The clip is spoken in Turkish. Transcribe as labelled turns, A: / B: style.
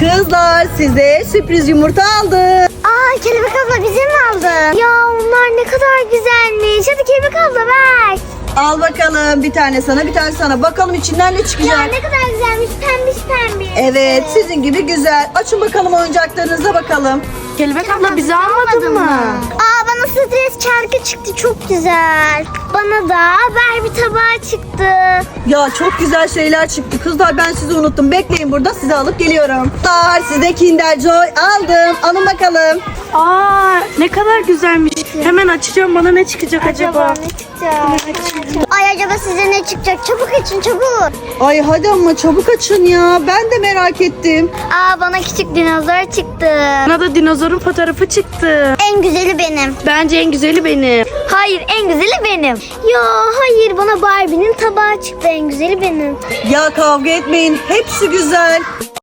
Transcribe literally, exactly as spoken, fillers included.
A: Kızlar size sürpriz yumurta aldım.
B: Aa, Kelebek abla bize mi aldın? Ya onlar ne kadar güzelmiş. Hadi Kelebek abla ver.
A: Al bakalım, bir tane sana bir tane sana. Bakalım içinden ne
B: Ya
A: çıkacak.
B: ne kadar güzelmiş, pembiş pembiş.
A: Evet, sizin gibi güzel. Açın bakalım oyuncaklarınıza bakalım.
C: Kelebek abla bizi almadın mı?
B: Aa, bana stres çarkı çıktı, çok güzel. Bana da Barbie tabağı çıktı.
A: Ya çok güzel şeyler çıktı. Kızlar ben sizi unuttum. Bekleyin burada, sizi alıp geliyorum. Kızlar size Kinder Joy aldım. Alın bakalım.
C: Aa, ne kadar güzelmiş. Hemen açacağım, bana ne çıkacak acaba?
B: ne çıkacak? Ay, acaba size ne çıkacak? Çabuk açın, çabuk.
A: Ay hadi ama çabuk açın ya. Ben de merak ettim.
B: Aa, bana küçük dinozor çıktı.
C: Bana da dinozorun fotoğrafı çıktı.
B: En güzeli benim.
C: Bence en güzeli benim.
B: Hayır, en güzeli benim. Ya hayır, bana Barbie'nin tabağı çıktı. En güzeli benim.
A: Ya kavga etmeyin. Hepsi güzel.